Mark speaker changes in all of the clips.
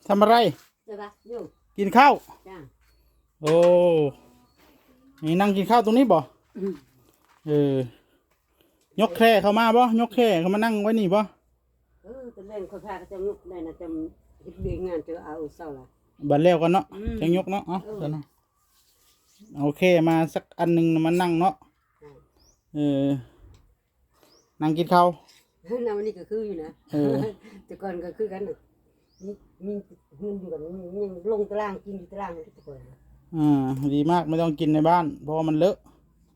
Speaker 1: ทำอะไร
Speaker 2: จะปะอยู่
Speaker 1: กินข้าว
Speaker 2: จ้า
Speaker 1: โอ้นี่นั่งกินข้าวตรงนี้บ่ยกแคร่เข้ามาบ่ยกแคร่เข้ามานั่งไว้นี่บ่
Speaker 2: ตอนแรกคนพาก็จะยกได้นะจะเฮ็ดเบียงงานเจอเอาเศร้าละ
Speaker 1: บัดแล้วกันเนาะจังยกเนาะเดี๋ยวนะโอเคมาสักอันหนึ่งมานั่งเนาะนั่งกินข้าว
Speaker 2: น้ำวันนี้ก็คืออยู่นะแต่ก่อนก็คือกันมีเงินอยู่กันยังลงตารางกินอยู่ตารางนี่ทุกคน
Speaker 1: ดีมากไม่ต้องกินในบ้านเพราะมันเลอะ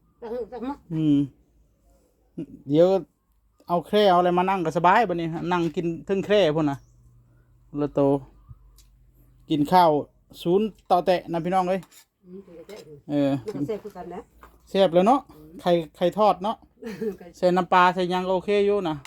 Speaker 1: เดี๋ยวเอาแคร่เอาอะไรมานั่งก็สบายบัดนี้นั่งกินทึ่งแคร่พุ่นน่ะละโตกินข้าวศูนย์ต่อแตะนะพี่น้องเอ้ย
Speaker 2: แซ่บคือกันนะ
Speaker 1: แซ่บแล้วเนาะไข่ทอดเนาะใส่น้ำปลาใส่ยังก็โอเคอยู่นะ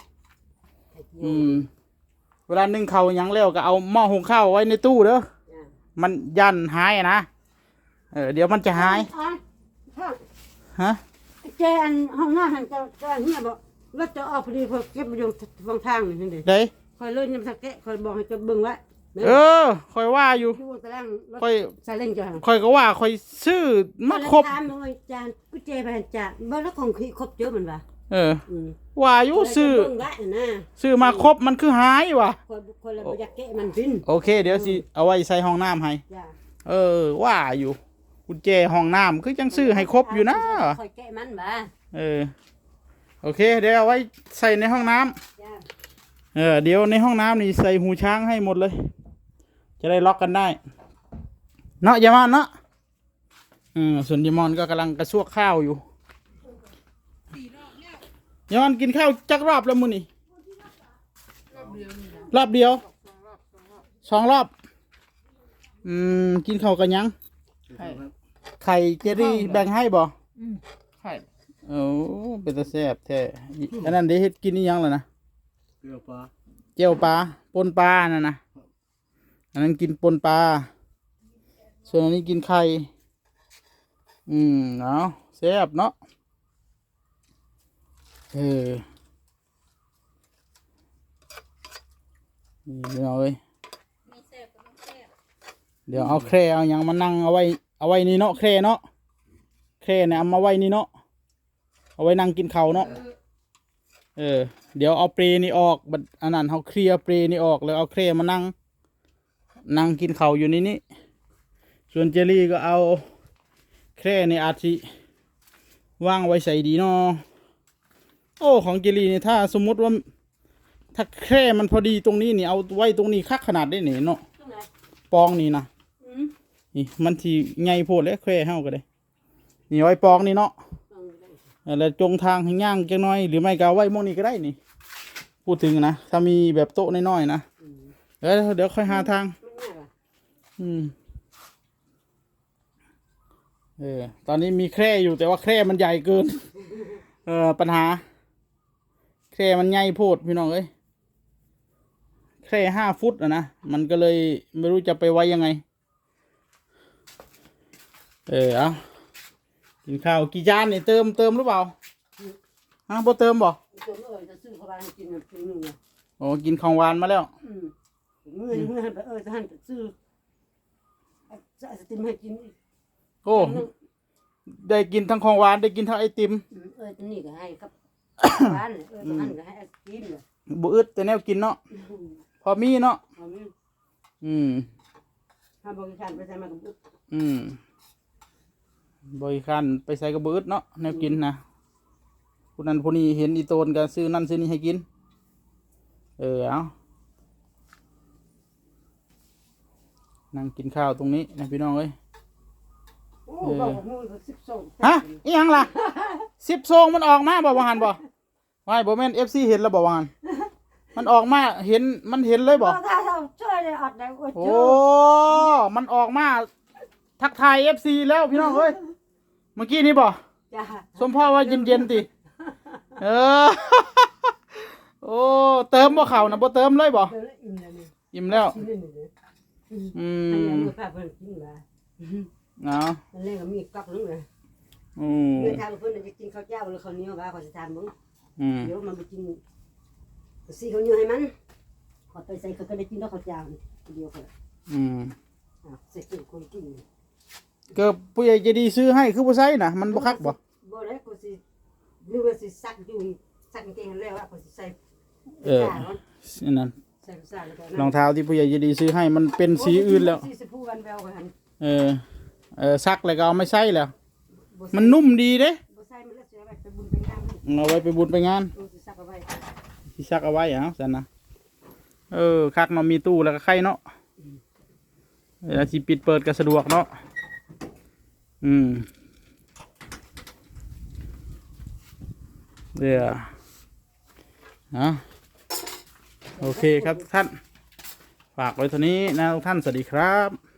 Speaker 1: เวลานึ่งข้าวยังแล้วก็เอาหม้อหุงข้าวไว้ในตู้เด้อมันยันหายนะเดี๋ยวมันจะหายฮะ
Speaker 2: เจอันห้องหน้าหันจะเฮียบอกรถจะออกพอดีพอเก็บไปอยู่ฝั่งทางนี่เด้
Speaker 1: เด้
Speaker 2: คอยเลื่อนยังสักแกะคอยบอกให้จะเบิ่งไว้
Speaker 1: คอยว่าอยู่
Speaker 2: คอยซาเล้งจ้ะ
Speaker 1: คอยก็ว่าคอยซื้อมาครบ
Speaker 2: ถามเลยจานกูเจไปหันจ่าบ่แล้วของครบเยอะมันวะ
Speaker 1: ว่าอยู่ซื้อมาครบมันคือหายว่ะ
Speaker 2: คนละอยากแกะมันพิน
Speaker 1: โอเคเดี๋ยวสิเอาไว้ใส่ห้องน้ำให้ว่าอยู่กุญแจห้องน้ำคือจังซื้อให้ครบอยู่นะ
Speaker 2: คอยแกะมันบ่
Speaker 1: โอเคเดี๋ยวเอาไว้ใส่ในห้องน้ำเดี๋ยวในห้องน้ำนี่ใส่หูช้างให้หมดเลยจะได้ล็อกกันได้เนาะยามอนเนาะส่วนยามอนก็กำลังกระซวกข้าวอยู่ยามอนกินข้าวจักรอบแล้วมื้อนี่รอบเดียว2 รอบกินข้าวกันยังไข่เจรี่แบ่งให้บ่ไข่เป็นตาแซ่บแท้อันนั้นได้เฮ็ดกินนี่ยังแล้วนะเจียวปลาปนปลานั่นนะอันนั้นกินปนปลาส่วนอันนี้กินไข่เนาะแซ่บเนาะนี่เอาเลยเดี๋ยวเอาแคร่เอาอย่างมานั่งเอาไว้นี่เนาะแคร่เนาะแคร่เนี่ยเอามาไว้นี่เนาะเอาไว้นั่งกินข้าวเนาะเดี๋ยวเอาเปรนี่ออกบัดอันนั้นเขาเคลียร์เปรนี่ออกแล้วเอาแคร่มานั่งกินข้าวอยู่นี่ส่วนเจลลี่ก็เอาแคร่ในอาทิว่างไว้ใส่ดีเนาะโอ้ของเจลลี่นี่ถ้าสมมุติว่าถ้าแคร่มันพอดีตรงนี้นี่เอาไว้ตรงนี้คักขนาดได้เนี่ยเนาะปองนี่นะนี่มันที่ไงโพดแล้วแคร่เฮาก็ได้นี่ไว้ปองนี่เนาะแล้วจงทางให้ย่างจังน้อยหรือไม่ก็ไว้มองนี่ก็ได้นี่พูดถึงนะถ้ามีแบบโต๊ะน้อยๆนะเดี๋ยวค่อยหาทางตอนนี้มีแคร่อยู่แต่ว่าแคร่มันใหญ่เกินปัญหาแคร่มันใหญ่โพดพี่น้องเอ้ยแคร่5 ฟุตนะมันก็เลยไม่รู้จะไปไว้ยังไงเอากินข้าวกี่จานนี่เติมหรือเปล่าบ่เติมบ่โอ้กินของหวานมาแล้ว
Speaker 2: ท่านซื้อไอติมให้กิน
Speaker 1: โอ้ได้กินทั้งของหวานได้กินทั้งไอติม
Speaker 2: นี่ก็ให้ครับหวานท่านก็ให้ไอติม
Speaker 1: บ่อึดแต่แนวกินเนาะพอมีเนาะ
Speaker 2: ถ้าบริการไปใส่มากับอึด
Speaker 1: บริการไปใส่กระเบิดเนาะแนวกินนะผู้นั้นผู้นี้เห็นอีโตนก็ซื้อนั่นซื้อนี่ให้กินเอานั่งกินข้าวตรงนี้นะพี่น้องเอ้ยฮะอีหยังล่ะ10 ซองมันออกมาบ่หันบ่ไม่บ่แม่น FC เห็นแล้วบ่หันมันออกมามันเห็นเลยบ่
Speaker 2: ช่วยเลยอดได้
Speaker 1: โอ้มันออกมาทักทาย FC แล้วพี่น้องเอ้ยเมื่อกี้นี่บ่สมพ่อว่าเย็นๆติโอ้เติมบ่เข้านะบ่เติมเลยบ่อิ่มแล้วเนาะ
Speaker 2: เล่นกับมีกักนึงเลยเมื่อทำเพื่อนจะกินข้าวเจ้าหรือข้าวเหนียวบ้าขอจะทำบ้างเดี๋ยวมันไปกินซีข้าวเหนียวให้มันขอไปใส่เขาก็ได้กินแล้วข้าวเจ้าเดียวกันเสร็จเป็นคนกิน
Speaker 1: ก็ผู้ใหญ่ใจะดีซื้อให้คือบ่ใส่น่ะมันบ่คักบ่
Speaker 2: บ่ได้กูสิหรือว่าสิซักอยู่ซักกางเกงแล้วว่ากูสิใส่
Speaker 1: นั่น
Speaker 2: ใส่ซ่าแล้วก็
Speaker 1: รองเท้าที่ผู้ใหญ่ใจะดีซื้อให้มันเป็นสีอื่นแล้ว
Speaker 2: สีชมพูวันแววกันหัน
Speaker 1: ซักแล้วก็เอาไม่ใส่แล้ว มันนุ่มดีเด้
Speaker 2: บ่ใส่มันแล้วสิเอาไว้ไปบุญไปงานมัน
Speaker 1: เอาไว้ไปบุญไปงาน
Speaker 2: กูสิซักเอาไว้
Speaker 1: ที่ซักเอาไว้ซั่นนะคักเนาะมีตู้แล้วก็ไข่เนาะเวลาที่ปิดเปิดก็สะดวกเนาะเดี๋ยวโอเคครับท่าน ฝากไว้เท่านี้นะทุกท่าน สวัสดีครับ